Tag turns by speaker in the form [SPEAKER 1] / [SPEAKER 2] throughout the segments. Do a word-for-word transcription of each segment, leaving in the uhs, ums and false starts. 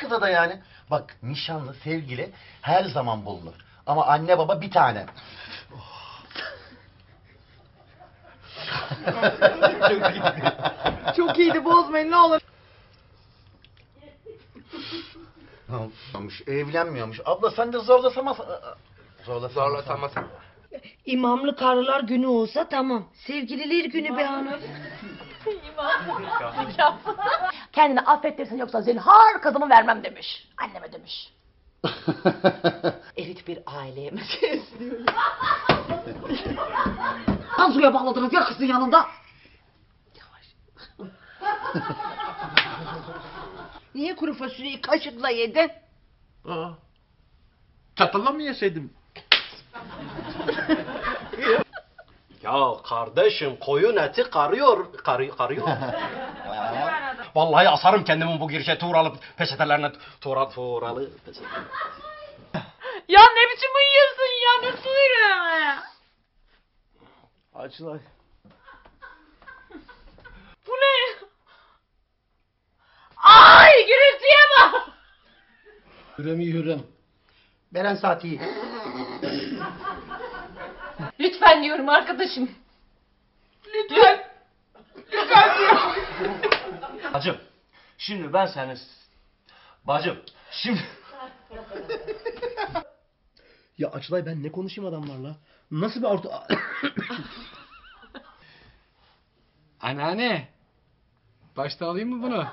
[SPEAKER 1] kıza da yani. Bak nişanlı, sevgili her zaman bulunur. Ama anne baba bir tane. Çok iyiydi.
[SPEAKER 2] Çok iyiydi, bozmayın ne olur.
[SPEAKER 1] Olmuş, evlenmiyormuş. Abla sen de zorlasamaz. Zorlasamaz.
[SPEAKER 3] Zorlasamaz.
[SPEAKER 4] İmamlı karılar günü olsa tamam. Sevgililer günü be hanım.
[SPEAKER 5] Kendini affettirsin yoksa zinhar kızımı vermem demiş. Anneme demiş. Elit bir aileye meselesi diyor ya. Tansu'ya bağladınız ya kızın yanında.
[SPEAKER 4] Niye kuru fasulyeyi kaşıkla yedin?
[SPEAKER 3] Aa, çatalla mı yeseydim?
[SPEAKER 6] Ya kardeşim koyun eti karıyor, karıyor, karıyor. Vallahi asarım kendimi bu girişe tuğralı peçetelerine, tuğra, tuğralı peçete.
[SPEAKER 2] Ya ne biçim uyuyorsun ya, nasıl uyuyorsun ya?
[SPEAKER 3] Açılay.
[SPEAKER 2] Bu ne? Ay gürültüye bak.
[SPEAKER 3] Hürrem'i Hürrem.
[SPEAKER 1] Beren saati.
[SPEAKER 2] Lütfen diyorum arkadaşım. Lütfen. Lütfen diyorum.
[SPEAKER 6] Bacım, şimdi ben seni... Bacım, şimdi...
[SPEAKER 3] Ya Açılay ben ne konuşayım adamlarla? Nasıl bir orta...
[SPEAKER 7] Anneanne. Başta alayım mı bunu?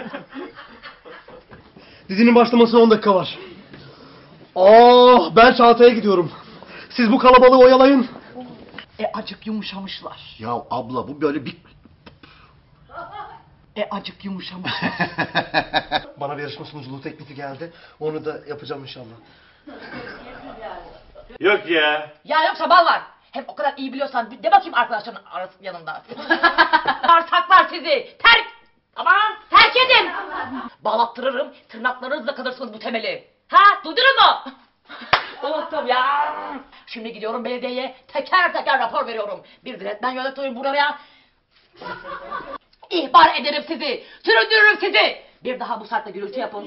[SPEAKER 3] Dizinin başlamasına on dakika var. Ah, ben Çağatay'a gidiyorum. Siz bu kalabalığı oyalayın.
[SPEAKER 5] E acık yumuşamışlar.
[SPEAKER 1] Ya abla bu böyle bir...
[SPEAKER 5] E acık yumuşamış.
[SPEAKER 3] Bana bir yarışma sunuculuğu teklifi geldi. Onu da yapacağım inşallah.
[SPEAKER 6] Yok ya.
[SPEAKER 5] Ya yoksa bal var. Hem o kadar iyi biliyorsan de bakayım arkadaşların arası yanında. Sarsaklar sizi. Terk. Aman terk edin. Bağlattırırım. Tırnaklarınızla kalırsınız bu temeli. Ha duydunuz mu? Unuttum ya. Şimdi gidiyorum belediyeye. Teker teker rapor veriyorum. Bir diretmen yönetiyorum buraya. İhbar ederim sizi. Süründürürüm sizi. Bir daha bu saatte gürültü yapın.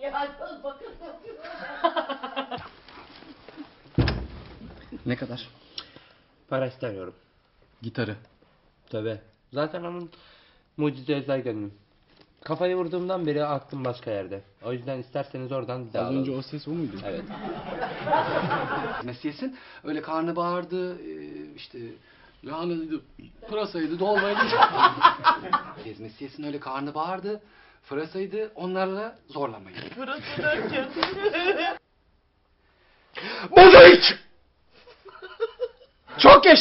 [SPEAKER 7] Ne kadar?
[SPEAKER 6] Para istemiyorum.
[SPEAKER 7] Gitarı.
[SPEAKER 6] Tabii. Zaten onun mucize özel gönlüm. Kafayı vurduğumdan beri aklım başka yerde. O yüzden isterseniz oradan bir daha
[SPEAKER 7] Az
[SPEAKER 6] alalım.
[SPEAKER 7] önce o ses o muydu?
[SPEAKER 6] Evet.
[SPEAKER 7] Mesih'in öyle karnı bağırdı, e, işte lahanaydı, pırasaydı, dolmaydı. Mesih'in öyle karnı bağırdı, pırasaydı, onlarla zorlamayın.
[SPEAKER 3] Mozaik! Çok geç.